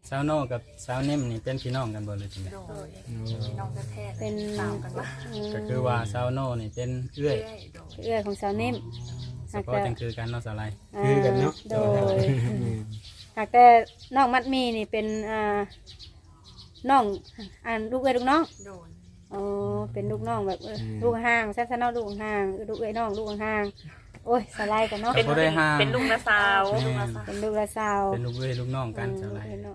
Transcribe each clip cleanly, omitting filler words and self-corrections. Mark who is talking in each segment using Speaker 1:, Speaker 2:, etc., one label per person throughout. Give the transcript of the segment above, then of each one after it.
Speaker 1: สาวโน่กับสาวนิ่มนี่เป็นพี่น้องกันบ่เลยจังได๋
Speaker 2: โดยพี่น้องแท้ๆ
Speaker 3: เป็น
Speaker 2: ตามกันว่า
Speaker 1: ก็คือว่าสาวโน่นี่เป็นเอื้อย
Speaker 2: โดย
Speaker 3: เอื้อยของสาวนิ่ม
Speaker 1: สปอร์ตจังคือกันเนาะสาวไล
Speaker 4: คือกันเนาะ
Speaker 3: โดยหากแต่น้องมัดมีนี่เป็นน้องลูกเอ้ยลูกน้อง
Speaker 2: โดย
Speaker 3: อ๋อเป็นลูกน้องแบบลูกห่างสั้นๆเนาะลูกห่างลูกเอ้ยน้องลูกห่างโอ้ยสไลด์กันเนาะ
Speaker 1: บ่ได้ห่าง
Speaker 2: เป็นลุงนาสาวลุงนาสาว
Speaker 3: เป็นลูกละสาว
Speaker 1: เป็นลูกเอื้อยลูกน้องกันสาวไล
Speaker 3: เนาะ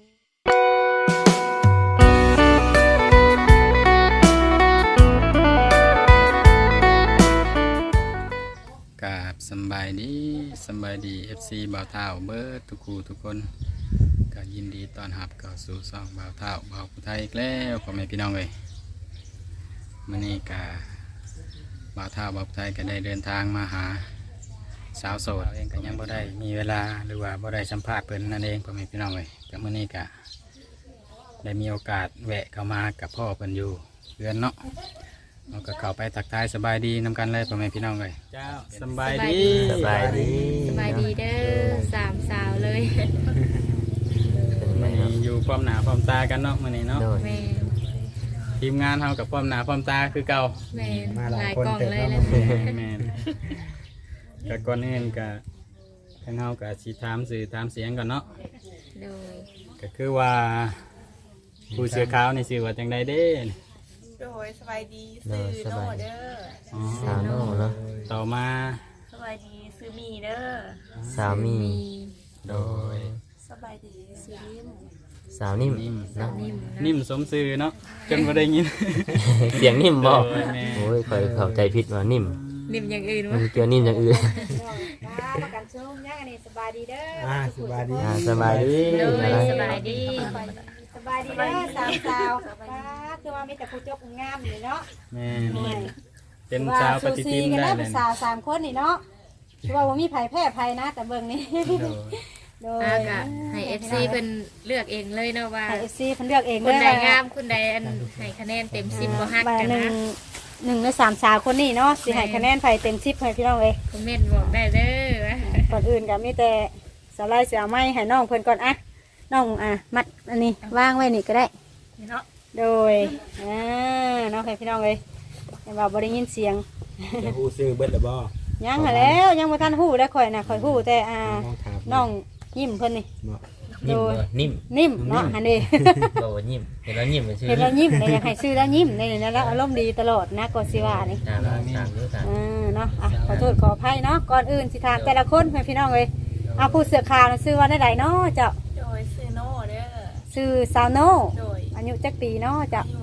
Speaker 1: กราบสำบายดี FC บ่าวเฒ่าเบิดทุกคู่ทุกคนก็ยินดีต้อนรับเข้าสู่ช่องบ่าวเฒ่าบ่าวผู้ไทยอีกแล้วพ่อแม่พี่น้องเอ้ยมื้อนี้ก็บ่าวเฒ่าบ่าวผู้ไทยก็ได้เดินทางมาหาสาวโสดเองก็ยังบ่ได้มีเวลาหรือว่าบ่ได้สัมภาษณ์เพิ่นนั่นเองพ่อแม่พี่น้องเอ้ยก็มื้อนี้ก็ได้มีโอกาสแวะเข้ามากับพ่อเพิ่นอยู่เรือนเนาะเราก็เข้าไปทักทายสบายดีนำกันเลยพ่อแม่พี่น้องเลยเจ้าสบายดี
Speaker 4: สบายดี
Speaker 5: สบายดีเด้อสามสาวเลย
Speaker 1: มื้อนี้อยู่พร้อมหน้าพร้อมตากันเนาะมื้อนี้เนาะ
Speaker 4: โดย
Speaker 5: แม่น
Speaker 1: ทีมงานเฮากับพร้อมหน้าพร้อมตาคือเก่า
Speaker 5: แม่น
Speaker 4: มาห
Speaker 5: ห
Speaker 4: ลา
Speaker 5: ลาย ย
Speaker 4: คน
Speaker 5: กล่อง
Speaker 4: เต็ม
Speaker 5: เลย
Speaker 4: เนาะ
Speaker 5: แหละ
Speaker 1: แม่นก็ก่อนอื่นก็ทางเฮาก็สิถามสื่อถามเสียงก่อนเนาะ
Speaker 5: โดย
Speaker 1: ก็คือว่าผู้เสื้อขาวนี่ชื่อว่าจังไดเด้
Speaker 2: โดยสบายดีซื้อโน่เด้อ
Speaker 1: อ๋อ
Speaker 4: สาวโน่เนาะ
Speaker 1: ต่อมา
Speaker 2: สบายดีซื้อมีเด้อ
Speaker 4: สาวมี
Speaker 5: มี
Speaker 1: โดย
Speaker 2: สบายดีซื้อนิ่ม
Speaker 4: สาวนิ่ม
Speaker 1: นิ่ม
Speaker 4: เนาะ
Speaker 5: นิ่มนะ
Speaker 1: นิ่มสมชื่อเนาะจนบ่ได้ยิน
Speaker 4: เสียงนิ่มบ่
Speaker 1: โดยแม่
Speaker 4: โอ้ยคอยเข้าใจผิดว่านิ่ม
Speaker 5: นิ่มอย่างอื่น
Speaker 4: มั
Speaker 5: วะ
Speaker 4: นเกี่ยวนิ่มอย่างอื่น
Speaker 3: ประกันชุ่มย่างอันนี้สบายดีเด้อ
Speaker 4: สบายดีสบายดี
Speaker 5: โดยสบายดี
Speaker 3: สบายดีเด้อสามสาวคือว่ามีแต่ผู้จบงามนี่เนาะ
Speaker 1: แม่นเป็นสาวปฏิทิน
Speaker 3: กัน
Speaker 1: ได้
Speaker 3: นะ
Speaker 1: เล
Speaker 3: เป็
Speaker 1: ย
Speaker 3: นสาว3คนนี่เนาะคือว่าบ่มีไผแพ้ไผนะแต่เบิ่งนี่
Speaker 1: โดย
Speaker 3: โดย
Speaker 5: อากะให้ FC เพิ่นเลือกเองเลยเนาะว่า
Speaker 3: ให้ FC เพิ่นเลือกเอง
Speaker 5: คนใด
Speaker 3: ว่
Speaker 5: งามคนใดอันให้คะแนนเต็ม10บ่ฮัก
Speaker 3: ว่า
Speaker 5: กัน
Speaker 3: หนึ่ง
Speaker 5: นะ
Speaker 3: หนึ่งในสามสาวคนนี้เนาะสิให้คะแนนไผเต็ม10ให้พี่น้องเอ้ย
Speaker 5: คอมเมนต์บอกได้เด้อ
Speaker 3: ก่อนอื่นก็มีแต่สไลด์เสียไม้ให้น้องเพิ่นก่อนอะน้องมัดอันนี้วางไว้นี่ก็ได้
Speaker 2: เนาะ
Speaker 3: โดยน้องให้พี่น้องเลยเห็นว่าบ่ได้ยินเสียง
Speaker 4: จะฮู้ซื้อเบิดแล้วบ่
Speaker 3: ยังหาแล้วยังบ่ทันฮู้ได้ข่อยน่ะข่อยฮู้แต่
Speaker 4: น้องถาม
Speaker 3: น้องยิ้มเพิ่นนี่
Speaker 4: บ่
Speaker 3: โดย
Speaker 4: นิ่ม
Speaker 3: นิ่มเนาะอันนี้
Speaker 4: บ่ว่านิ่มเห็นแล้วนิ่มชื่อ
Speaker 3: เห็นแล้วยิ้มเลยอยากให้ซื้อแล้วยิ้มนี่แล้วอารมณ์ดีตลอดนะก็สิว่านี่
Speaker 4: ตามดูตาม
Speaker 3: เนาะขอโทษขออภัยเนาะก่อนอื่นสิถามแต่ละคนให้พี่น้องเลยเอาผู้เสื้อขาวน่ะซื้อว่าได้ใดเนาะเจ้า
Speaker 2: โดยซื้อโน่เด้อ
Speaker 3: ซื้อซาวโน
Speaker 2: โดย
Speaker 3: อายุจักปีเนาะเจ้า
Speaker 2: อยู่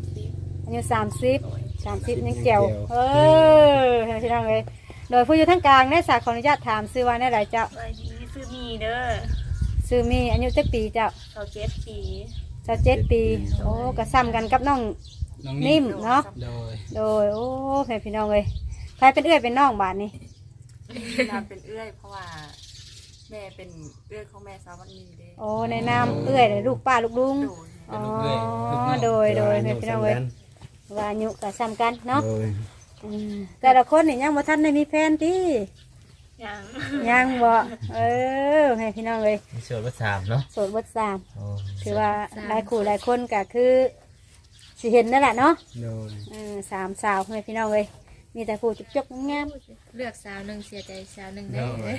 Speaker 2: 30
Speaker 3: อายุ30ยังเจียวให้พี่น้องเลยโดยผู้อยู่ทั้งกลางได้สาขออนุญาตถามซื้อว่าได้ใดเจ้า
Speaker 2: สบายดีซื้อมีเด้อ
Speaker 3: ซื้อมีอายุจักปีเจ้า
Speaker 2: 27ปี
Speaker 3: 27ปีโอ้ก็ซ้ำกันกับน้อง
Speaker 1: น้อง
Speaker 3: นิ่มเนาะ
Speaker 1: โดย
Speaker 3: โดยโอ้ให้พี่น้องเลยใครเป็นเอื้อยเป็นน้องบาดนี้
Speaker 2: นามเป็นเอื้อยเพราะว่าแม่เป็นเอื้อยของแม่สาววันนี้เด้อ
Speaker 3: โอ้ในนามเอื้อยเลยลูกป้าลูกลุง
Speaker 2: โดย
Speaker 3: อ๋อโดยให้พี่น้องเลยว่าอายุก็ซ้ำกันเนาะ
Speaker 4: โดย
Speaker 3: แต่ละคนนี่ยังบ่ทันได้มีแฟนติ
Speaker 2: ยัง
Speaker 3: ยังบ่ให้พี่น้องเลย
Speaker 4: มีส่วนว่า3เนาะ
Speaker 3: โสดเบดสาม
Speaker 4: โอ้
Speaker 3: คือว่าหลายคู่หลายคนก็คือสิเห็นนั่นแหละเนาะ
Speaker 4: โดย
Speaker 3: สามสาวให้พี่น้องเลยมีแต่ผู้จุกๆงาม
Speaker 5: เลือกสาวหนึงเสียใจสาวหนึงได้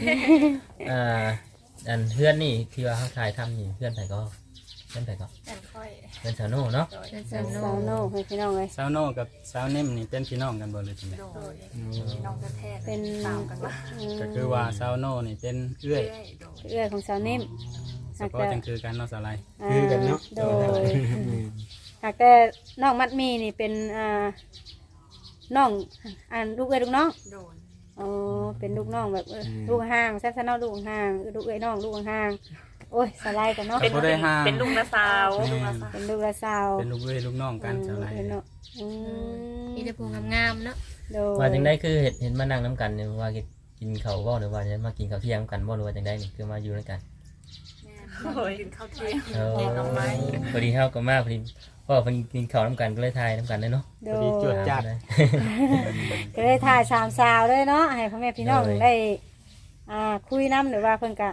Speaker 4: อันเพื่อนนี่ที่ว่าเขาถ่ายทำนี่เพื่อนไผก็เพื่อนไผก็
Speaker 2: แต่ค่อย
Speaker 4: เพื่อนสาวโน่เนาะ
Speaker 2: โดย
Speaker 5: เพื่อน
Speaker 3: ๆ
Speaker 5: สาวโน
Speaker 3: สาวโน่ให้พี่น้องเลย
Speaker 1: สาวโน่กับสาวนิ่มนี่เป็นพี่น้องกันบ่เลยจังได๋
Speaker 2: โดยพี่น้องแท้ๆ
Speaker 3: เป็น
Speaker 2: ตามกันว่า
Speaker 1: ก็คือว่าสาวโน่นี่เป็นเอื้อย
Speaker 2: โดย
Speaker 3: เอื้อยของสาวนิ่ม
Speaker 1: สปอร์ตจังคือกันเนาะสาวไล
Speaker 4: คือกันเนาะ
Speaker 3: โดยหากแต่น้องมัดมีนี่เป็นน้องลูกเอ้ยลูกน้อง
Speaker 2: โดย
Speaker 3: อ๋อเป็นลูกน้องแบบลูกห่างสั้นๆเนาะลูกห่างลูกเอ้ยน้องลูกห่างโอ้ยสไลด์กันเนาะ
Speaker 1: บ่ได้ห่าง
Speaker 2: เป็นลุงนาสาวลุงนาสาว
Speaker 3: เป็นลูกละสาว
Speaker 1: เป็นลูกเอื้อยลูกน้องกันสาวไล
Speaker 3: เนาะ
Speaker 5: มีแต่ผู้งามๆเนาะ
Speaker 3: โดย
Speaker 4: ว่าจังได้คือเห็นมานั่งน้ำกันเนี่ยว่ากินข้าวบ่หรือว่าจะมากินข้าวเที่ยงกันบ่หรือว่าจังได้นี่คือมาอยู่ด้วยกัน
Speaker 2: โอ้ยกินข้าวเที่ยง
Speaker 4: เออ
Speaker 2: แกงหน่อไม้
Speaker 4: พอดีเฮาก็มาพอดีพ่อเพิ่นกินข้าวน้ำกันก็เลยทายน้ำกันเลยเนาะ
Speaker 3: โด
Speaker 1: พอดีจวด
Speaker 3: ย
Speaker 1: จัด
Speaker 3: ก็เลยถ่ายสามสาวเลยเนาะให้พ่อแม่พี่น้องได้คุยน้ำหรือว่าเพิ่นกะ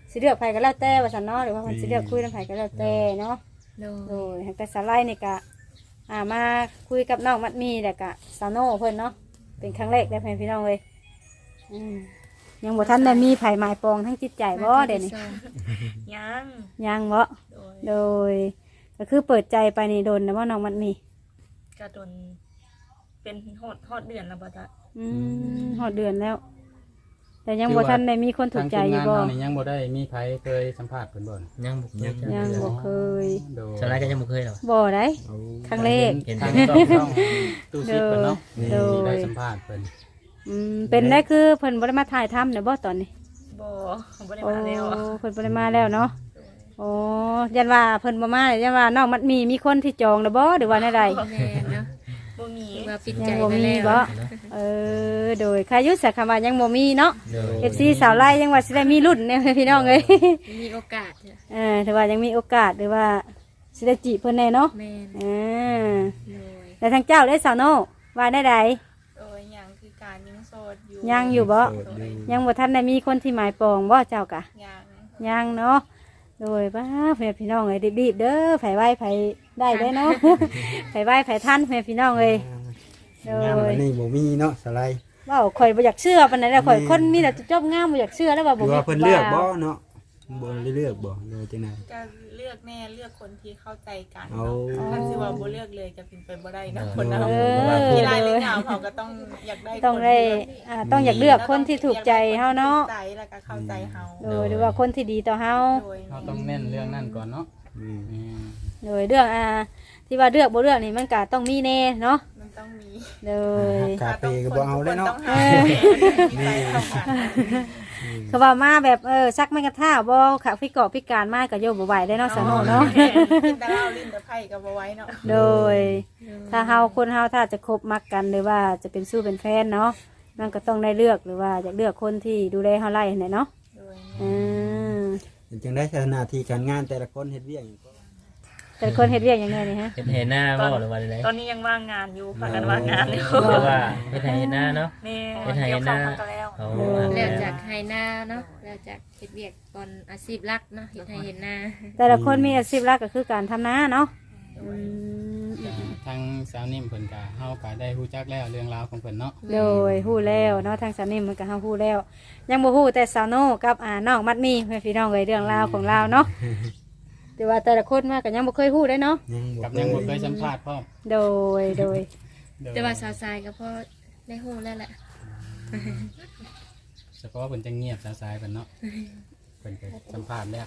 Speaker 3: สิเลือกไผก็แล้วแต่ว่าซั่นเนาะหรือว่าเพิ่นสิเลือกคุยนำไผก็แล้วแต่เนาะ
Speaker 5: โด
Speaker 3: โด
Speaker 5: ย
Speaker 3: ยแต่สาไลนี่ก็มาคุยกับน้องมัดมีแล้วก็สาวโน่เพิ่นเนาะเป็นครั้งแรกได้เพิ่นพี่น้องเลยยังบ่ทันได้มีไผหมายปองทั้งจิตใจบ่เดี๋ยวนี้
Speaker 2: ยัง
Speaker 3: ยังบ่
Speaker 2: โดย
Speaker 3: โดยก็คือเปิดใจไปนี่โดนนะว่าน้องมัดมี
Speaker 2: กระโดนเป็นฮอดเดือนแล้วบ่จ๊ะ
Speaker 3: ฮอดเดือนแล้ว แต่ยังบ่ทันได้มีคนถูกใจอยู่บ่
Speaker 1: ทางทีมงานเรานี่ยังบ่ได้มีไผเคยสัมภาษณ์เพิ่นบ่น
Speaker 4: ยังบ่เคย
Speaker 3: ยังบ่เคย
Speaker 1: โดย
Speaker 4: สไลด์ก็ยังบ่เคยหรอก
Speaker 3: บ่ได้
Speaker 6: เอา
Speaker 3: ครั้งแรก
Speaker 4: เห็น
Speaker 1: ทาง
Speaker 4: เห็น
Speaker 1: ต้องตู้ซิปเพิ่นเนาะ
Speaker 3: โดย
Speaker 1: ที่ได้สัมภาษณ์เพิ่น
Speaker 3: เป็นได้คือเพิ่นบ่ได้มาถ่ายทำเด้อบ่ตอนนี้
Speaker 2: บ่ได้
Speaker 3: โอ้
Speaker 2: มาแล้ว
Speaker 3: เพิ่นบ่ได้มาแล้วเนาะโอ้ยันว่าเพิ่นบ่มายันว่าน้องมัดมีคนที่จองแล้วบ่หรือว่าแนวใด
Speaker 5: แม่นเนาะ
Speaker 2: บ่มี
Speaker 5: ถือว่าปิด
Speaker 3: ยั
Speaker 5: ใจ
Speaker 3: งบ่
Speaker 5: ไป
Speaker 3: มี
Speaker 5: แล้ว
Speaker 3: บ่โดยใครยุสักคำว่ายังบ่มีเนาะ
Speaker 4: โดย
Speaker 3: FC สาวไล่ยังว่าสิได้มีรุ่นเนี่ยพี่น้องเอ้ย
Speaker 5: มีโอกาสจ้ะ
Speaker 3: ถือว่ายังมีโอกาสหรือว่าสิได้จีบเพิ่นแน่เนาะ
Speaker 5: แม่น โดย
Speaker 3: แล้วทางเจ้าได้สาวโนว่าได้ใด
Speaker 2: โดยยังคือการยังโสดอยู่
Speaker 3: ยังอยู่บ่
Speaker 6: โสดอยู่
Speaker 3: ยังบ่ทันได้มีคนที่หมายปองบ่เจ้ากะ
Speaker 2: ยัง
Speaker 3: ยังเนาะโดยป้าเพื่อนพี่น้องเอ้ยรีบๆเด้อไผไหวไผได้ได้เนาะ ไผไหวไผทันเพื่อนพี่น้องเอ้ยโด
Speaker 6: งาม
Speaker 3: ย
Speaker 6: อันนี้บ่มีเนาะสไลด์
Speaker 3: เว้าข่อยบ่อยากเชื่อปานใดแล้วข่อยคนมีแต่จบงามบ่อยากเชื่อแล้วว่า
Speaker 6: ห
Speaker 3: บ่
Speaker 6: รือ
Speaker 3: มี
Speaker 6: ว่าเพิ่นเลือกบ่เนาะบ่ได้เลือกบ่เลยจังได๋
Speaker 2: ก็เลือกแน่เลือกคนที่เข้าใจกัน
Speaker 6: เอา
Speaker 2: เนาะคันสิว่าบ่เลือกเลยก็เป็นไปบ่ได้เนาะ
Speaker 4: เออ
Speaker 2: คนเนาะ
Speaker 3: เออ
Speaker 2: มีรายเรื่องราวเขาก็ต้องอยากได้
Speaker 3: ต้องได้ต้องอยากเลือกคนที่ถูกใจเฮาเนาะ
Speaker 2: ใจแล้วก็เข้าใจเฮา
Speaker 3: โดยหรือว่าคนที่ดีต่อเฮา
Speaker 2: โดย
Speaker 1: เราต้องเน้นเรื่องนั้นก่อนเนาะ
Speaker 6: อืม
Speaker 1: อืม
Speaker 3: โดยเรื่องที่ว่าเลือกบ่เลือกนี่มันก็ต้องมีแน่เนาะ
Speaker 2: มันต้องมี
Speaker 3: โดย
Speaker 6: คาเฟ่ก็บ่เอาเลยเนาะ
Speaker 2: ต้องหามีใจเข้ากัน
Speaker 3: เขาว่ามาแบบซักไม่กระท่าบ่ขาพิกรพิการมากก็โยบ่ไหวได้เนาะสาวโนเนาะ
Speaker 2: กินแต่เหล้าลิ้นแต่ไผ่ก็บ่ไหว้เนาะ
Speaker 3: โดย ถ้าเฮาคนเฮาถ้าจะคบมักกันหรือว่าจะเป็นสู้เป็นแฟนเนาะมันก็ต้องได้เลือกหรือว่าอยากเลือกคนที่ดูแลเฮาไล่เนี่ยเนาะ
Speaker 2: โดย
Speaker 3: อืม
Speaker 6: จังได้หน้าที่การงานแต่ละคนเฮ็ดเวียกหยังก็
Speaker 3: แต่คนเฮ็ดเวียกอย่างไงนี่ฮะ
Speaker 4: เห็นหน้าบ่หรือว่าอะไร
Speaker 2: ตอนนี้ยังว่างงานอยู่พากันว่างงานอยู่
Speaker 4: หรือว่าเห็นหน้าเนาะ
Speaker 2: นี่
Speaker 4: เฮ็ดให้
Speaker 2: เกี่ยว
Speaker 4: ห
Speaker 2: ข้า
Speaker 4: น้า
Speaker 2: วมาก็แล้ว
Speaker 4: เอา
Speaker 5: แล้วจากไฮนาเนาะแล้วจากเฮ็ดเวียกก่อนอาชีพหลักเนาะเฮ็ดให้เห็นหน้า
Speaker 3: แต่ละคนมีอาชีพหลักก็คือการทำนาเนาะอืม
Speaker 1: ทางสาวนิ่มเพิ่นก็เฮาก็ได้ฮู้จักแล้วเรื่องราวของเพิ่นเนาะ
Speaker 3: โดยฮู้แล้วเนาะทางสาวนิ่มมันก็เฮาฮู้แล้ว ยังบ่ฮู้แต่สาวโนกับน้องมัดมีเพื่อนพี่น้องเอ้ยเรื่องราวของเราเนาะแต่ว่าแต่ละคนมาก็ยังบ่เคยฮู้ได้เนาะ
Speaker 1: กับยังบ่เคยสัมภาษณ์พร้อม
Speaker 3: โดย
Speaker 1: โดย
Speaker 5: แต่ว่าสาวทรายก็พอได้ฮู้แล้วแหละ
Speaker 1: เฉพาะเพิ่นจะเงียบสายๆเพิ่นเนาะเพิ่นก็สัมภาษณ์แล้ว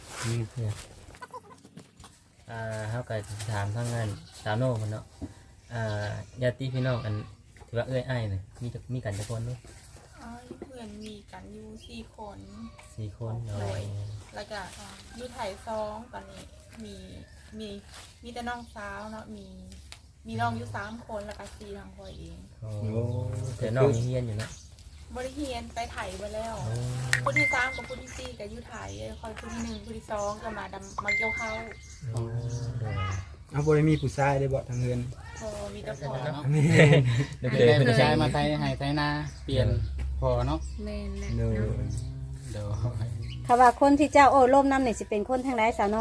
Speaker 4: เฮาก็ถามทางงานสาวโน่เพิ่นเนาะญาติพี่น้องอันที่ว่าเอ้ยอ้ายนี่มีกันจักคนเนาะ
Speaker 2: อ๋อเพื่อนมีกันอยู่4คน
Speaker 4: 4คนเนาะ
Speaker 2: แล้วก็อยู่ไทย2ตอนนี้มีแต่น้องสาวเนาะมีน้องอยู่3คนแล้วก็4ทางพ่อเอง
Speaker 4: โอ้แต่น้องยังเรียนอยู่เนาะ
Speaker 2: บริเฮียนไปไถไปแล้วผู้ที่3กับผู้ที่4ก็อยู่ไถคอยผู้ที่1ผู้ที่2ก็มาเกี่ยวข้าว
Speaker 4: โอ้โดย
Speaker 6: เอาบ่ได้มีผู้ชายได้บ่ทางเฮือน
Speaker 2: พอมีแต่พอ
Speaker 1: เนาะ
Speaker 6: แม่
Speaker 4: เดี๋ยว
Speaker 1: ได้
Speaker 4: เกิด
Speaker 1: ผู้ชายมาไทยให้ไทยนาเปลี่ยนพอเนาะ
Speaker 5: แม่นแหละ
Speaker 6: โดย
Speaker 5: เนาะ
Speaker 1: เดี๋ยว
Speaker 3: ถ้าว่าคนที่เจ้าโอ้ล่มน้ำนี่สิเป็นคนทางไหนสาวโน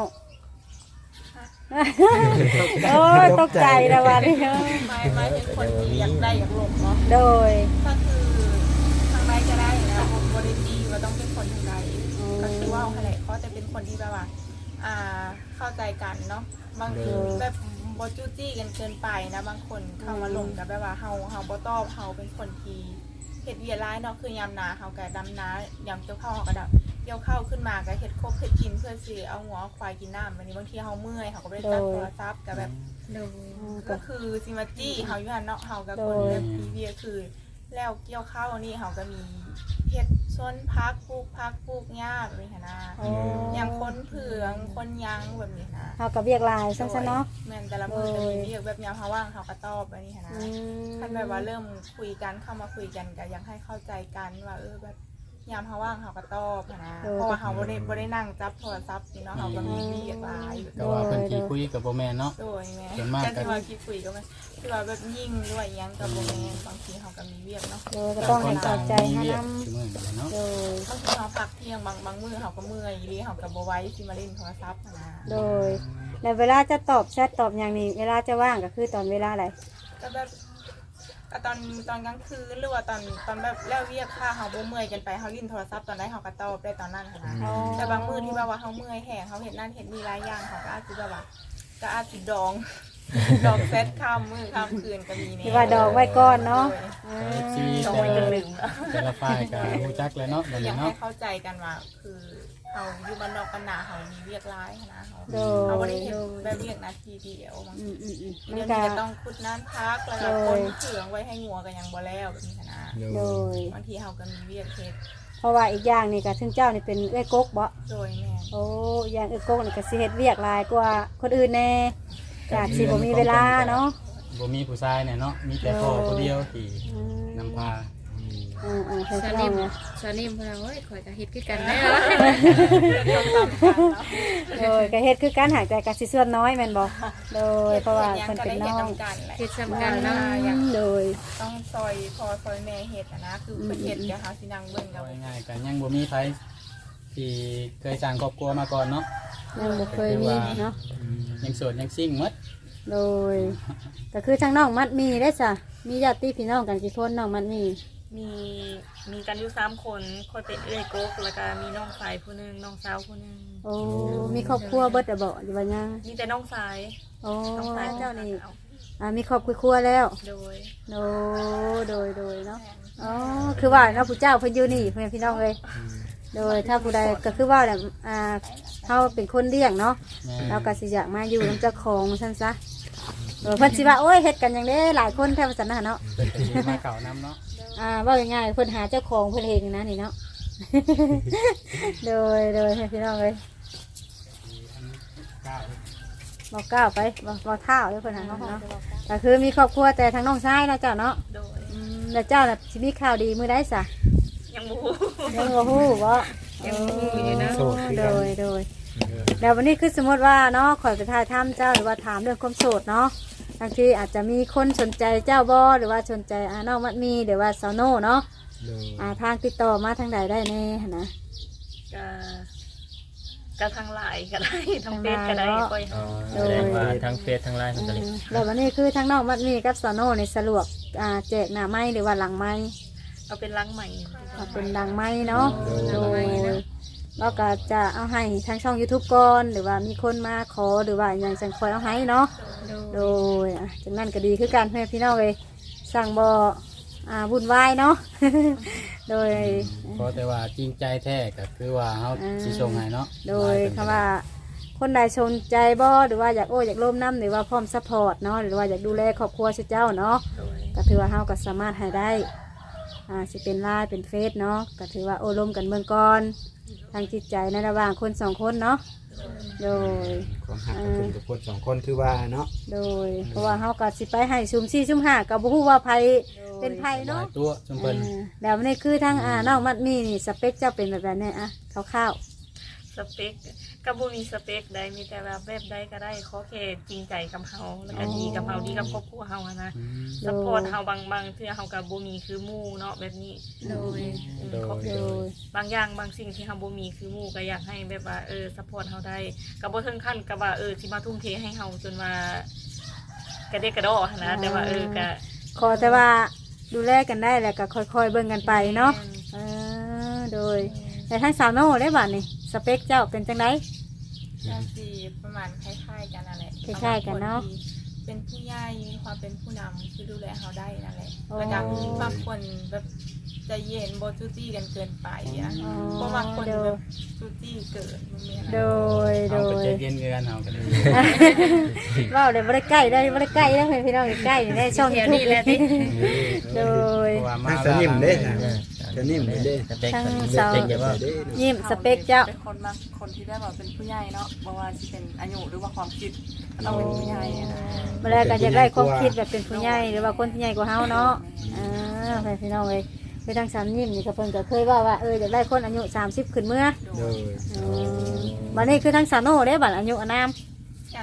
Speaker 3: โอ้ยตกใจแล้ววันนี้
Speaker 2: ไม่เป็นคนที่อยากได้อยากหลบเนาะ
Speaker 3: โดย
Speaker 2: ก็คือทางใดก็ได้นะบริจีว่าต้องเป็นคนทางใดก็คือว่าอะไรเขาจะเป็นคนที่แบบว่าเข้าใจกันเนาะบางทีแบบบจู้จี้กันเกินไปนะบางคนเข้ามาลงกับแบบว่าเฮาบ่ตอบเฮาเป็นคนที่เฮ็ดเวียร้ายเนาะคือยามนาเฮาก็ดำนายามเกี่ยวข้าวเฮาก็ดับเกี่ยวข้าวขึ้นมาก็เฮ็ดครบเฮ็ดกินเพื่อสิเอาหัวเอาควายกินน้ำวันนี้บางทีเฮาเมื่อยเฮาก็บ่ได้ตั้งโทรศัพท์ก็แบบ
Speaker 5: โดย
Speaker 2: ก็คือซิมาจี้เฮาอยู่หั่นเนาะเฮากับคนเล็บพีเวียคือ แล้วเกี่ยวข้าวนี่เฮาก็มีเฮ็ดสวนพักปลูกหญ้าแบบนี้หั่นนะ
Speaker 3: โอ้
Speaker 2: อย่างคนเผืองคนยังแบบนี้นะ
Speaker 3: เฮากับเวียกลายซั่นๆเนาะ
Speaker 2: แม่นแต่ละมื้อก็มีเรียกแบบยามเฮาว่างเฮาก็ตอบแบบนี้หั่นนะ
Speaker 3: อืม
Speaker 2: คันแบบว่าเริ่มคุยกันเข้ามาคุยกันก็อยากให้เข้าใจกันว่าแบบยามเฮาว่างเฮาก็ตอบหั่นนะเพราะว่าเฮาบ่ได้นั่งจับโทรศัพท์นี่เนาะเฮาก็มีเรียกหลาย
Speaker 1: ก็ว่าเพิ่นขี้คุยกับโบแมนเนาะ
Speaker 2: โดยแม่
Speaker 1: ส่วนมากก็
Speaker 2: การที่ว่าคิดคุยก็มันที่ว่าแบบยิ่งด้วยหยังกับโบแมนบางทีเขาก็มีเวียกเนาะ
Speaker 3: โดยก็ต้องให้เข้าใจให้
Speaker 1: เรีย
Speaker 3: นำ
Speaker 1: คือมือกันเนาะ
Speaker 3: โดย
Speaker 2: บางทีเขาพักเที่ยงบางมื้อเขาก็เมื่อยอีหลีเขาก็บ่ไหว้สิมาเล่นโทรศัพท์นะ
Speaker 3: โดยแล้วเวลาจะตอบแชทตอบอย่างนี้เวลาจะว่างก็คือตอนเวลาอะไร
Speaker 2: ก็แบบก็ตอนกลางคืนหรือว่าตอนแบบแล้วเวียกค่าเขาบ่เมื่อยกันไปเขาลิ้นโทรศัพท์ตอนใดเขาก็ตอบได้ตอนนั้นหั้นนะ
Speaker 3: อ๋อ
Speaker 2: แต่บางมื้อที่แบบว่าเขาเมื่อยแห้งเขาเห็นนั่นเห็นนี่หลายอย่างเขาก็อาจจะแบบว่าก็อาจจะดอง ดองเซตข้ามมื้อข้ามคืนก็มีเนี่ย
Speaker 3: ที่ว่าดอกไว้ก่อนเนาะ
Speaker 1: เอฟซี
Speaker 2: ดอง
Speaker 1: แต่
Speaker 2: ไว้จน
Speaker 1: ละ
Speaker 2: ลืมแล้ว
Speaker 1: แต่ละฝ่ายก็รู้จักเลยเนาะแบบ
Speaker 2: อยา
Speaker 1: นี้
Speaker 2: กให้
Speaker 1: เนาะ
Speaker 2: เข้าใจกันว่าคือเขาอยู่บ้านนอกกันหนาเขามีเวียกร้ายนะเขา
Speaker 3: โด
Speaker 2: เขา
Speaker 3: ย
Speaker 2: ไม่ได้เห็น
Speaker 3: โดย
Speaker 2: แบบเวียกนาทีเดียวบาง
Speaker 3: อื
Speaker 2: ที
Speaker 3: มมัน
Speaker 2: เดี๋ยว
Speaker 3: ก็
Speaker 2: นี้จะต้องขุดน้ำพักแล้วก็
Speaker 3: โด
Speaker 2: ค
Speaker 3: ย
Speaker 2: นเถืองไว้ให้งัวกันยังบ่แล้วแบบนี้นะ
Speaker 6: โด
Speaker 3: โด
Speaker 6: ย
Speaker 3: ย
Speaker 2: บางทีเขาก็มีเวียกเฮ็ด
Speaker 3: เพราะว่าอีกอย่างนี่ก็ถึงเจ้านี่เป็นเอ้อยกกบ่
Speaker 2: โดยแม่
Speaker 3: โอ้อย่างเอ้อยกกนี่ก็สิเฮ็ดเวียกหลายกว่าคนอื่นแน่ก็อาจสิบ่มีเวลาเนาะ
Speaker 1: บ่มีผู้ชายเนี่ยเนาะมีแต่พ่อผู้เดียวที่นำพา
Speaker 3: เพิ่น
Speaker 5: สา
Speaker 3: ก็
Speaker 5: นิม
Speaker 3: เนาะ
Speaker 5: สานิมเพิ่นว่าโอ้ยข่อยก็เฮ็ดคือกันแน่
Speaker 2: ต้องตามกันเนาะ
Speaker 3: โดยก็เฮ็ดคือการหายใจก็สิส่วนน้อยแม่นบ่โดยเพราะว่าเพิ่นเป็นน้อง
Speaker 2: กันแหละ
Speaker 5: เฮ็ดซ้ำกันเนาะ
Speaker 3: โดย
Speaker 2: ต้องซอยพอซอยแม่เฮ็ดนะคือเพิ่นเฮ็ดเดี๋ยวเขาสินั่งเบิ่งกับ
Speaker 1: เอาง่ายๆกันยังบ่มีไผที่เคยสร้างครอบครัวมาก่อนเนาะ
Speaker 3: ยังบ่เคยมีเนาะ
Speaker 1: ยังโสดยังซิ่งหมด
Speaker 3: โดยก็คือทางน้องมัดมีได้จ้ะมีญาติพี่น้องกันกี่คนน้องมัดมี
Speaker 2: มีกันอยู่3คนค่อยเป็นเอื้อยกกแล้วก็มีน้องสายผู้หนึงน้องสาวผู้หนึง
Speaker 3: โอ้มีครอบครัวเบิดอะบ่หรือว่ายัง
Speaker 2: มีแต่น้องสาย
Speaker 3: โอ้
Speaker 2: น้องสาย
Speaker 3: เจ้านี่มีครอบครัวแล้ว
Speaker 2: โดย
Speaker 3: โดยเนาะอ๋อคือว่าเนาะผู้เจ้าเพิ่นอยู่นี่เพิ่นพี่น้องเลยโดยถ้าผู้ใดก็คือว่าแบบเขาเป็นคนเลี้ยงเนาะ
Speaker 1: แม่
Speaker 3: เราก็สิอยากมาอยู่นำเจ้าของซั่นซะเพิ่นสิว่าโอ้ยเฮ็ดกันอย่างนี้หลายคนแท้ว่าซั่นนะเนาะ
Speaker 1: เป็นก็สิมาเก่านํเนาะ
Speaker 3: ว่าง่ายๆเพิ่นหาเจ้าของเพิ่นเองนะนี่เนาะ โดยให้พี่น้องเลยบอกก้าวไปบอกเท้าเลยเพิ่นหาเนาะก็คือมีครอบครัวแต่ทางน้องชายเนาะเจ้าเนาะ
Speaker 2: โดย
Speaker 3: แล้วเจ้าน่ะสิมีข่าวดีมื้อใดซะ
Speaker 2: ยังบ่ฮู้
Speaker 3: ยังบ่ฮู้บ่
Speaker 2: ยังบ่ฮู้อยู่นะ
Speaker 3: โดยแล้ววันนี้คือสมมติว่าเนาะขอยไปถ่ายถ้ำเจ้าหรือว่าถามเรื่องความโสดเนาะบางทีอาจจะมีคนสนใจเจ้าบ่หรือว่าสนใจน้องมัดมีหรือว่าสาวโน่เนาะ
Speaker 6: โดย
Speaker 3: ทางติดต่อมาทางใดได้แน่หั่นนะ
Speaker 2: ก็ทางไลน์ก็ได้ทางเฟซก็ได้ค่อย
Speaker 4: อ๋อแสดงว่าทั้งเฟซทั้งไลน์มันก็เลย
Speaker 3: แล้ววันนี้คือทางน้องมัดมีกับสาวโน่ในสะดวกแจกหน้าไม้หรือว่าหลังไม้
Speaker 2: เอาเป็นลังใหม่
Speaker 3: เป็นหลังไม้เนาะโดยแล้วก็จะเอาให้ทางช่อง YouTube ก่อนหรือว่ามีคนมาขอหรือว่าอย่างจังคอยเอาให้เนาะ โดยจังนั้นก็ดีคือการให้พี่น้องเลยสั่งบ่วุ่นวายเนาะ โดย
Speaker 1: เพราะแต่ว่าจริงใจแท้ก็คือว่าเฮาสิส่งให้เนาะ
Speaker 3: โดยคำว่าคนใดสนใจบ่หรือว่าอยากอยากร่วมน้ำหรือว่าพร้อมซัพพอร์ตเนาะหรือว่าอยากดูแลครอบครัวเจ้าเนาะก็ถือว่าเฮาก็สามารถให้ได้สิเป็นไลน์เป็นเฟซเนาะก็ถือว่าโอ้ร่วมกันเมืองก่อนทางจิตใจในระหว่างคนสองคนเนาะโดย
Speaker 6: ความหักกับคนกับคนสองคนคือว่าเนาะ
Speaker 3: โดยเพราะว่าเฮาก็สิไปให้ซุ่ม4ซุ่ม5ก็บ่ฮู้ว่าไผเป็นไผ
Speaker 1: หลา
Speaker 3: เนาะ
Speaker 1: ยตัวจุมเพิ่น
Speaker 3: แล้วนี่คือทั้งน้องมัดมีนี่สเปคเจ้าเป็นแบบไหนคร่าว
Speaker 2: สเปคก็บ่มีสเปคใดมีแต่แบบใดก็ได้ขอแค่จริงใจกับเฮาแล้วก็ดีกับเฮาดีกับครอบครัวเฮานะซัพพอร์ตเฮาบางเทื่อเฮาก็บ่มีคือหมู่เนาะแบบนี้
Speaker 5: โดย
Speaker 3: ๆโดย
Speaker 2: บางอย่างบางสิ่งที่เฮาบ่มีคือหมู่ก็อยากให้แบบว่าซัพพอร์ตเฮาได้ก็บ่ถึงขั้นกับว่าสิมาทุ่มเทให้เฮาจนว่ากระเดกกระดอหั้นนะแต่ว่าก็
Speaker 3: ขอแต่ว่าดูแลกันได้แล้วก็ค่อยๆเบิ่งกันไปเนาะโดยแต่ทั้งสาวโน่ได้บ่นี่สเปคเจ้าเป็นจังได
Speaker 2: ก็สิประมาณคล้ายๆกันนั่นแหละ
Speaker 3: คล้ายๆกันเนาะ
Speaker 2: เป็นผู้ใหญ่มีความเป็นผู้นำคือดูแลเฮาได้นั่นแหละ
Speaker 3: โอ้
Speaker 2: แล้วก็บางคนแบบใจเย็นบ่จู้จี้กันเกินไปอ่ะ
Speaker 3: อ๋อ
Speaker 2: เพราะบางคนแบบจู้จี้เกินมันมีอะไร
Speaker 3: โดย
Speaker 1: เฮาก็ใจเย็นคือกันเฮาก็ได้
Speaker 3: ว้าวเดี๋ยวบ่ได้ใกล้ได้บ่ได้ใกล้แล้วพี่น้องใกล้ได้ช่อง
Speaker 5: แถว
Speaker 3: YouTube
Speaker 5: นี้แหละติ
Speaker 3: โดย
Speaker 1: เพราะว่ามา
Speaker 6: ทางสนิมเด้
Speaker 1: เวลา
Speaker 6: จะนิ่มเลยเด้
Speaker 4: สเปค
Speaker 3: ทั้ง
Speaker 4: ส
Speaker 3: สาว
Speaker 4: เปคแบบว่า
Speaker 6: เด้
Speaker 3: ยิ้มสเปคเจ้า
Speaker 2: เป็นคนบางคนที่ได้แบบเป็นผู้ใหญ่เนาะบ่ว่าสิเป็นอายุหรือว่าความคิดก็ต้องเป็นผู้ใหญ่อะนะ
Speaker 3: เมื่อไรก็จะได้ความคิดแบบเป็นผู้ใหญ่หรือว่าคนที่ใหญ่กว่าเฮาเนาะพี่น้องเลยไปทางสามยิ้มนี่ก็เพิ่นก็เคยว่าอยากได้คนอายุ30ขึ้นเมื่อ
Speaker 6: โดย
Speaker 3: บัดนี้คือทางสาวโน่ได้บัดอายุอานาม
Speaker 2: ก็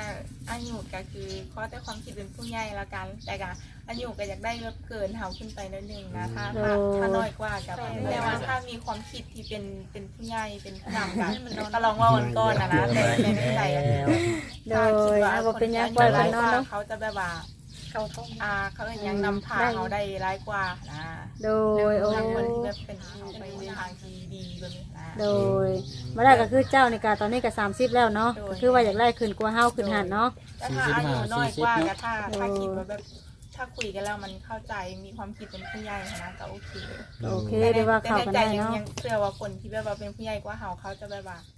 Speaker 2: อายุก็คือขอแต่ความคิดเป็นผู้ใหญ่ละกันแต่ก็อายุก็อยากได้แบบเกินเฮาขึ้นไปนิดนึงนะถ้าน้อยกว่ากับแต่ว่าถ้ามีความคิดที่เป็นผู้ใหญ่เป็นผู้นำกันก็ลองว่าวันก่อนนะแต่ในใจอันนี้
Speaker 3: โดยเอาบ่เป็นหยังปล่อยกันนอนเนาะ
Speaker 2: เขาจะแบบว่าเขายังนำพาเขาได้ร้ายกว่านะ
Speaker 3: โดยโอ้
Speaker 2: ทางคนที่แบบเป็นไปในทางที่ดีแบบนี้นะ
Speaker 3: โดยมาได้ก็คือเจ้านี่ก็ตอนนี้ก็30แล้วเนาะก็คือว่าอยากไล่ขึ้นกว่าเฮาขึ้นหันเนาะ
Speaker 2: แต่ถ้าอายุน้อยกว่าก็ถ้าคิดว่าแบบถ้าคุยกันแล้วมันเข้าใจมีความคิดเป็นผู้ใหญ่นะก็โอเค
Speaker 3: โอเคได้ว่าเข้ากันได้เนาะ
Speaker 2: ยังเชื่อว่าคนที่แบบว่าเป็นผู้ใหญ่กว่าเขาจะแบบว่า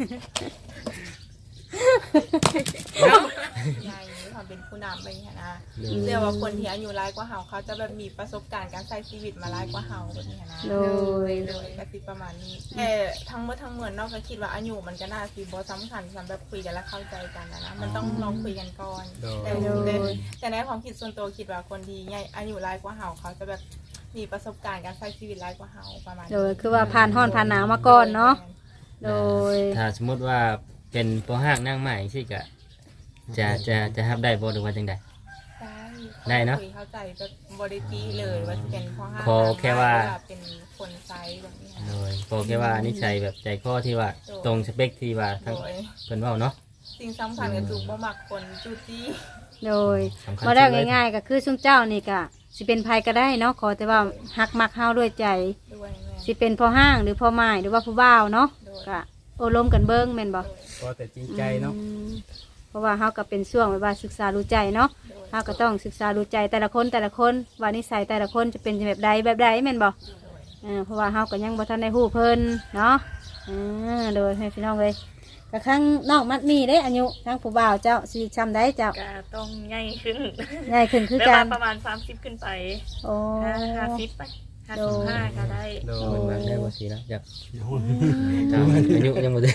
Speaker 2: ใหญ่มีความเป็นผู้นำไปอย่างนี้นะเชื่อว่าคนที่อายุร้ายกว่าเขาจะแบบมีประสบการณ์การใช้ชีวิตมาร้ายกว่าแบบนี้นะ
Speaker 3: โดย
Speaker 2: เลยก็คือประมาณนี้แต่ทั้งหมดทั้งมวลนอกจากคิดว่าอายุมันก็น่าสิบ่สำคัญสำหรับคุยกันและเข้าใจกันนะมันต้องลองคุยกันก่อนแต่ในความคิดส่วนตัวคิดว่าคนที่ใหญ่อายุร้ายกว่าเขาจะแบบมีประสบการณ์การใช้ชีวิตร้ายกว่าประมาณ
Speaker 3: โดยคือว่าผ่านร้อนผ่านหนาวมาก่อนเนาะโดย
Speaker 4: ถ้าสมมติว่าเป็นตัวห้างนั่งใหม่สิกะจะรับได้บ่หรือว่าจังใด ได้เนอะ
Speaker 2: คุยเข้าใจแบบบริจีเลยว่าจะเป็นข้อห้าม
Speaker 4: ขอแค่ว่า
Speaker 2: เป็นคนไซส์แบบนี้
Speaker 4: โดยบอกแค่ว่านิสัยแบบใจข้อที่ว่าตรงสเปคที่ว่า
Speaker 2: โด
Speaker 4: ทั้ง
Speaker 2: ย
Speaker 4: เพิ่นเว้าเนาะ
Speaker 2: สิ่งสำคัญก็คือบ่มักคนจู้จี้
Speaker 3: โดย
Speaker 4: สำคัญ
Speaker 3: มาได้
Speaker 4: สุดเลย
Speaker 3: ง่ายๆก็คือซุ่มเจ้านี่ก็สิเป็นภัยก็ได้เนาะขอแต่ว่าฮักมักเฮาด้วยใจ
Speaker 2: ด้วยแม่
Speaker 3: สิเป็นพ่อห้างหรือพ่อไม้หรือว่าผู้บ่าวเนาะก็โอลมกันเบิ่งแม่นบ่
Speaker 6: ก็แต่จริงใจเนาะ
Speaker 3: อืมเพราะว่าเฮาก็เป็นช่วงแบบว่าศึกษาดูใจเนาะเฮาก็ต้องศึกษาดูใจแต่ละคนว่านิสัยแต่ละคนจะเป็นแบบใดแม่นบ่เพราะว่าเฮาก็ยังบ่ทันได้ฮู้เพิ่นเนาะโดยให้พี่น้องเลยก็ครั้งนอกมัดมีเด้อายุทั้งผู้บ่าวเจ้าสิจำได้เจ้า
Speaker 7: ก็ต้องใหญ่ขึ้น
Speaker 3: ใหญ่ขึ้นคือ
Speaker 7: แบบ
Speaker 3: กั
Speaker 7: ว่าน ประมาณ30ขึ้นไป
Speaker 3: โอ้
Speaker 7: 50ไป55ก็ได้
Speaker 6: โด
Speaker 4: โอ้
Speaker 6: ย
Speaker 4: ยได้บ่สินะอยากถามอายุยังบ่ได้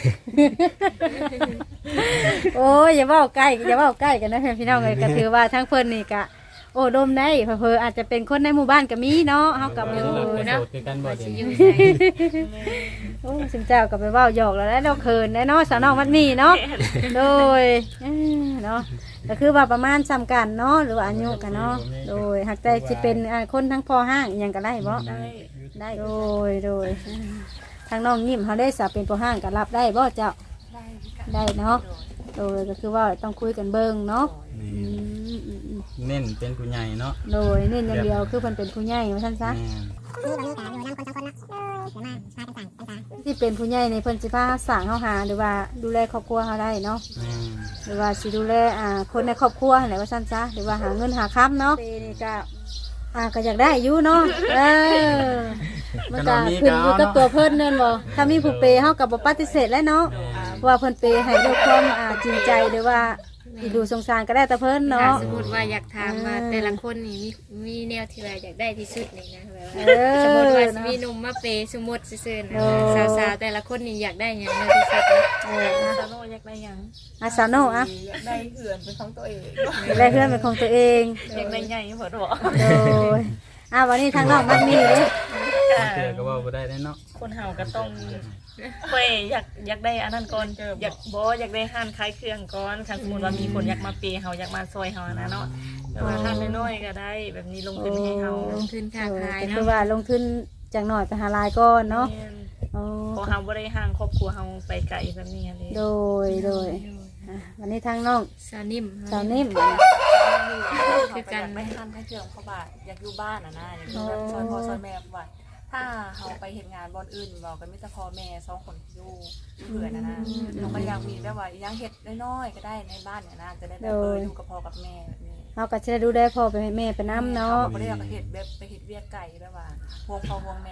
Speaker 3: โอ้ยอย่าเว้าใกล้กันนะพี่น้องเลยก็ถือว่าทั้งเพิ่นนี่ก็โอ้ดมได้เพิ่นอาจจะเป็นคนในหมู่บ้านก็มีเนาะเฮาก็บ่รู้
Speaker 6: เป็น
Speaker 3: เนาะ
Speaker 6: โสดคือกันบ่
Speaker 5: ว่า
Speaker 6: เดี๋
Speaker 5: สิ
Speaker 6: ยว
Speaker 5: อยู่
Speaker 6: นี้
Speaker 5: ไส
Speaker 3: โอ้สิเจ้าก็ไปเว้าหยอกแล้วเราเขินแน่เนาะสาวน้องมันมีเนาะโดยเนาะก็คือว่าประมาณซ้ำกันเนาะหรือว่าอายุกันเนาะโดยหากใจสิเป็นคนทั้งพ่อห้างอิหยังก็ได้บ่
Speaker 7: ได้
Speaker 3: โดยทางน้องยิ้มเฮาได้สาเป็นพ่อห้างก็รับได้บ่เจ้าได้เนาะโดยก็คือว่าต้องคุยกันเบิ่งเนาะ
Speaker 6: เน้นเป็นผู้ใหญ่เนาะ
Speaker 3: โดยเน้นอย่างเดียวคือเพิ่นเป็นผู้ใหญ่ว่าซั่นซะ
Speaker 6: แม่น
Speaker 3: ที่เป็นผู้ใหญ่ในเพิ่นสิพาสร้างเฮาหาหรือว่าดูแลครอบครัวเฮาได้เนาะ
Speaker 6: แม่น
Speaker 3: หรือว่าสิดูแลคนในครอบครัวอะไรว่าซั่นซะหรือว่าหาเงินหาค้ำเนาะนี่ก็ก็อยากได้อยู่เนาะมันก็ขึ้นอยู่กับตัวเพิ่นนั่นบ่ถ้ามีผู้เปย์เฮาก็บ่ปฏิเสธแล้วเนาะว่าเพิ่นเปย์ให้ด้วยความจริงใจหรือว่าอีดูสงสารก็ได้แต่เพิ่น
Speaker 5: ถ้า
Speaker 3: เนาะ
Speaker 5: สมมุติว่าอยากถามว่าแต่ละคนนี่มีแนวที่ว่าอยากได้ที่สุดนี่นะแบบว่า
Speaker 3: เออ
Speaker 5: สมมุติว่าสิมีหนุ่มมาเปย์สมมุติซื่อๆนะสาวๆแต่ละคนนี่อยากได้หยังแนวที่สุดนะ
Speaker 7: ซาโนอยากได้หยัง
Speaker 3: สาวโน
Speaker 2: อยากได้เหือนเป็นของตัวเอง
Speaker 3: ได้เพื่อนเป็นของตัวเอง
Speaker 7: อยากได้ใหญ่เพิ่นบอก
Speaker 3: โดยวันนี้ทางน้องมันมีเด้
Speaker 6: เจอก็ว่าบ่ได้แน่เนาะ
Speaker 7: คนเฮาก็ต้องอยากได้อันนั้นก่อนอยากได้ห้านขายเครื่องก่อนคันสมมุติว่ามีคนอยากมาเปย์เฮาอยากมาซอยเฮานะเนาะแต่ว่าห้านน้อยๆก็ได้แบบนี้ลงทุนให้เฮา
Speaker 5: ลงทุนค้าขาย
Speaker 3: ก็คื
Speaker 5: เนาะ
Speaker 3: อว่าลงทุนจากหน่อยไปหาลายก่อนเนาะ
Speaker 7: พอเฮาบ่ได้ห่างครอบครัวเฮาไปไกลแบบนี้เลย
Speaker 3: โดยวันนี้ทางน้อง
Speaker 5: สาวนิ่ม
Speaker 3: สาวนิ่ม
Speaker 5: คือกัน
Speaker 8: ไม่ทันให้เครื่องเพราะว่าอยากอยู่บ้านนะอยากอยู่แบบซอยพ่อซอยแม่เพราะว่าถ้าเราไปเห็นงานบอนอื่นเราก็ไม่จะพ่อแม่สองคนอยู่เผื่อนะเราก็อยากมีแบบว่ายังเห็ดน้อยๆก็ได้ในบ้านเนี่ยนะจะได้แบบอยู่กับพ่อกับแม่แบบนี้
Speaker 3: เราก็จะได้ดูได้พ่อไปให้แม่ไปน้ำเนาะ
Speaker 8: ไม่ได้อยากเห็ดแบบไปเห็ดเวียกไก่แบบว่าพวงพ่อพวงแม่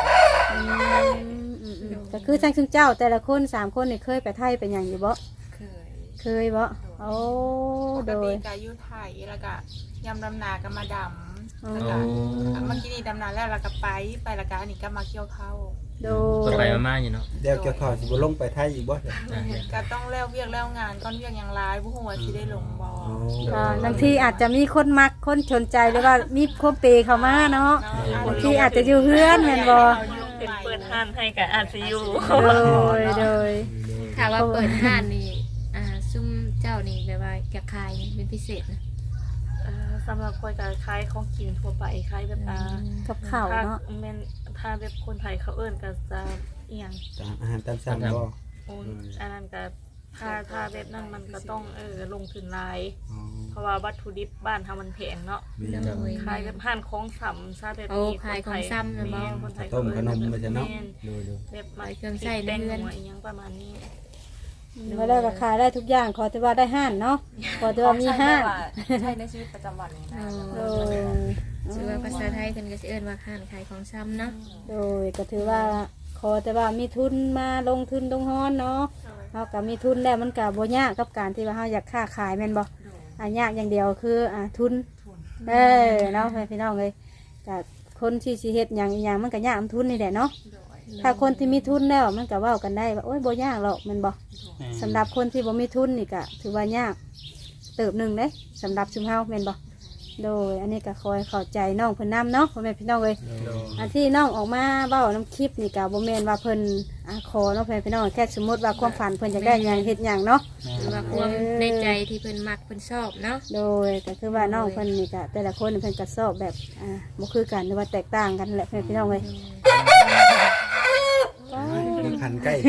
Speaker 3: ก็คือทั้งเจ้าแต่ละคน3 คนนี่เคยไปไทยเป็นอย่างอยู่บ่ เคยบ่โอ้
Speaker 2: ป
Speaker 3: โด
Speaker 2: กติ
Speaker 3: ย
Speaker 2: ก็อยู่ไทยแล้วก็ยำดำนาก็มาดำแล้วก็เมื่อกี้นี่ดำนาแล้วเราก็ไปแล้วก็อันนี้ก็มาเกี่ยวข้าว
Speaker 3: โด
Speaker 4: ก็
Speaker 3: ย
Speaker 4: ไปมาๆอยู่เนาะ
Speaker 6: เดี๋ยวเกี่ยวข้าวสิบ่ลงไปไทยอีกบ่เดี๋ยว
Speaker 2: ก็ต้องแล้วเวียกแล้วงานก้อนเวียกอย่างร้ายผู้หัวที่ได้ลงบอ
Speaker 3: บางทีอาจจะมีคนมักคนสนใจหรือว่ามีคนเปย์เข้ามาเนาะบางทีอาจจะอยู่เฮือนแม่นบ่
Speaker 7: เป็นเปิดห้านให้กับอาซียู
Speaker 3: โดย
Speaker 5: ถ้าว่าเปิดห้านนี่ซุ่มเจ้านี่แบบว่าอยากขายเป็นพิเศษนะ
Speaker 7: สำหรับคนก็ขายของกินทั่วไปขายแบบ
Speaker 3: กับข้าวเนาะ
Speaker 7: แม่นถ้าแบบคนไทยเขาเอิ้นก็จะเอียง
Speaker 6: ตามอาหารตามสั่งบ่
Speaker 7: โอ้ยอันนั้นก็ถ้าแบบนั้นมันก็ต้องลงทุนหลาย
Speaker 6: อ๋อ
Speaker 7: เพราะว่าวัตถุดิบบ้านเฮามันแพงเนาะ
Speaker 6: มี
Speaker 5: โดย
Speaker 7: ขายแบบห้านของสำซะแบบ
Speaker 5: โอ้
Speaker 7: นี้
Speaker 5: ขายของซ้ำนะบ่
Speaker 7: แม่คนไทย
Speaker 6: ต้มขนมไปซะเนาะ
Speaker 7: แม่
Speaker 6: ดู
Speaker 7: แบบมา
Speaker 5: เครื่องใช้ใน
Speaker 7: แป้ง
Speaker 5: เรือน
Speaker 7: หัวอีหยังประมาณนี้
Speaker 3: มาแล้วก็ขายได้ทุกอย่างขอแต่ว่าได้ห้านเนาะขอแต่ว่ามีห้าน
Speaker 8: ใช้ในชีวิตประจำวันนี่นะ
Speaker 3: โดย
Speaker 5: ชื่อว่าภาษาไทยเพิ่นก็สิเอิ้นว่าห้านขายของซ้ำเนาะ
Speaker 3: โดยก็ถือว่าขอแต่ว่ามีทุนมาลงทุนลงฮ้อนเนาะเฮาก็มีทุนแล้วมันก็บ่ยากกับการที่ว่าเฮาอยากค้าขายแม่นบ่ยากอย่างเดียวคือทุนเนาะพี่น้องเอ้ยก็คนที่สิเฮ็ดหยังอีหยังมันก็ยากทุนนี่แหละเนาะถ้าคนที่มีทุนแล้วมันก็เว้ากันได้ว่าโอ้ยบ่ยากหรอกแม่นบ่สำหรับคนที่บ่มีทุนนี่ก็ถือว่ายากเติบหนึงเด้สำหรับชุมเฮาแม่นบ่โดยอันนี้ก็คอยเข้าใจน้องเพิ่นนำเนาะพ่อแม่พี่น้องเอ้ย อันที่น้องออกมาเบ้าน้ำคลิปนี่ก็บ่แม่นว่าเพิ่นขอเนาะเพิ่นพี่น้องแค่สมมติว่าความฝันเพิ่นอยากได้หยังเฮ็ดหยังเนาะ
Speaker 5: หรือว่าความในใจที่เพิ่นมักเพิ่นชอบเนาะ
Speaker 3: โดยก็คือว่าน้องเพิ่นนี่ก็แต่ละคนเพิ่นก็ชอบแบบบ่คือกันหรือว่าแตกต่างกันแหละเพิ่นพี่น้องเอ้ย
Speaker 6: คือคันใกล้แท้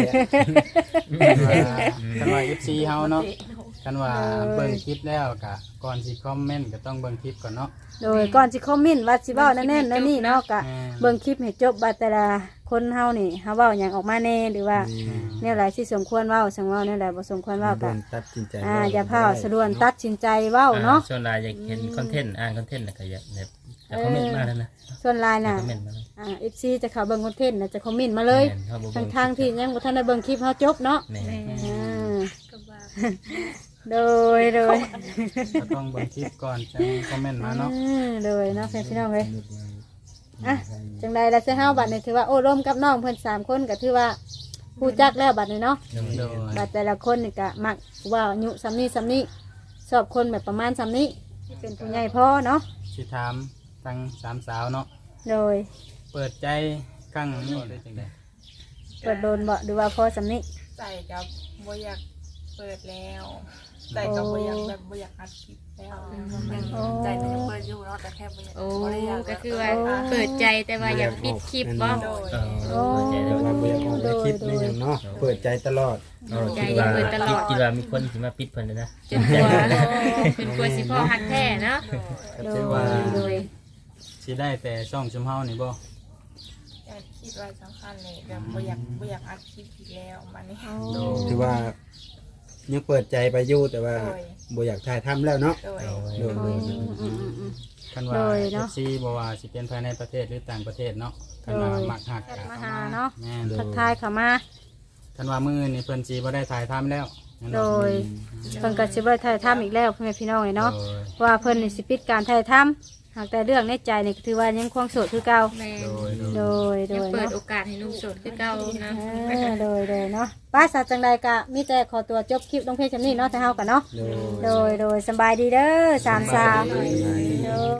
Speaker 1: กันว่า FC เฮาเนาะกันว่าเบิ่งคลิปแล้วก็ก่อนสิคอมเมนต์ก็ต้องเบิ่งคลิปก่อนเนาะ
Speaker 3: โดยก่อนสิคอมเมนต์ว่าสิเว้านั่นนั่นนี่เนาะก็เบิ่งคลิปให้จบว่าแต่ละคนเฮานี่เฮาเว้าหยังออกมาแน่หรือว่าแนวใดที่สมควรเว้าสังเว้าแนวใดบ่สมควรเว้าก็
Speaker 6: ตัดสินใจ
Speaker 3: อย่าพาสะดวนตัดสินใจเว้าเนาะ
Speaker 4: ส่วนหลายอยากเห็นคอนเทนต์คอนเทนต์ก็อยากแบบจะคอมเมนต์มาแล้วนะ
Speaker 3: ส่วนหลายน่ะ
Speaker 4: คอมเมนต์มาแล้ว
Speaker 3: FC จะเข้าเบิ่งคอนเทนต์น่ะจะคอมเมนต์มาเลย ทางที่ยังบ่ทันได้เบิ่งคลิปเฮาจบเนาะ
Speaker 4: แม่
Speaker 7: ก็ว่า
Speaker 3: โดย
Speaker 1: ก็ต้องเบิ่งคลิปก่อนจังคอมเมนต์มาเนาะ
Speaker 3: โดยเนาะพี่น้องเอ้ยจังใดล่ะเสื้อเฮาบัดนี้ถือว่าโอ้ร่วมกับน้องเพิ่น3คนก็ถือว่าฮู้จักแล้วบัดนี้เนาะ
Speaker 1: โดย
Speaker 3: บัดแต่ละคนนี่ก็มักว่าอายุซ้ำนี้ซ้ำนี้ชอบคนแบบประมาณซ้ำนี้เป็นผู้ใหญ่พอเนาะ
Speaker 1: สิถามทั้งสามสาวเนาะ
Speaker 3: โดย
Speaker 1: เปิดใจครั้งนี้ได้จังได๋
Speaker 3: เปิดโดนบ่หรือว่าพอซ้ำนี้
Speaker 2: ใจกับบ่อยากเปิดแล้วใจกับบ่อยากแบบบ่อยากอัดคลิปแล้ว
Speaker 8: ใจมันยังเปิดอยู่เนาะแต่แค่บ่อยาก
Speaker 5: โอ้
Speaker 8: บ่ได้อยาก
Speaker 5: ก็คือว่าเปิดใจแต่ว่าอยากปิดคลิปบ่
Speaker 2: โดย
Speaker 4: ใจ
Speaker 6: แต่ว่าบ่อยากออกในคลิปนี่หยังเนาะเปิดใจตลอด
Speaker 4: คิดว่ามีคนที่มาปิดเพิ่นนะ
Speaker 5: จนกลัวเป็นกลัวสิพ่อหักแท้เนาะ
Speaker 1: ก็ถือว่า
Speaker 3: โดย
Speaker 1: สิได้แต่ช่องชุมเฮานี่บ่
Speaker 2: อยากคิดว่าสำคัญเลยแบบบ่อยากอัดคลิปอีกแล้วมานี่
Speaker 6: ถือว่ายังเปิดใจไปอยู่แต่ว่าบ่อยากถ่ายทำแล้วเนาะ
Speaker 2: โดย
Speaker 6: โดย
Speaker 1: คันว่า FC บ่ว่าสิเป็นภายในประเทศหรือต่างประเทศเนาะคันว่ามักฮัก
Speaker 3: แอด
Speaker 1: ก็
Speaker 3: มา
Speaker 1: เข้า
Speaker 3: หา
Speaker 1: มา
Speaker 3: เนาะ
Speaker 1: แม่น
Speaker 3: ทักทายเข้ามา
Speaker 1: คันว่ามื้อนี่เพิ่นสิบ่ได้ถ่ายทำแล้วนั่น
Speaker 3: โด
Speaker 1: เนาะ
Speaker 3: ยเพิ่นก็สิบ่ได้ถ่ายทำอีกแล้วพ่อแม่พี่น้องเนาะ
Speaker 1: โดย
Speaker 3: ว่าเพิ่นนี่สิปิดการถ่ายทำหากแต่เรื่องในใจนี่ก็ถือว่ายังคงโสดคือเก่า
Speaker 5: แม่
Speaker 1: โดย
Speaker 3: โดย
Speaker 5: ยังเปิด
Speaker 3: เนาะ
Speaker 5: โอกาสให้หนุ่มโสดคือเก่านะ
Speaker 3: โดยเนาะป้าสาวจังใดกะมีแต่ขอตัวจบคลิปลงเพจจำนี้เนาะแต่เฮากันเนาะ
Speaker 6: โดย
Speaker 3: โดยสำบายดีเด้อสามสาวโดย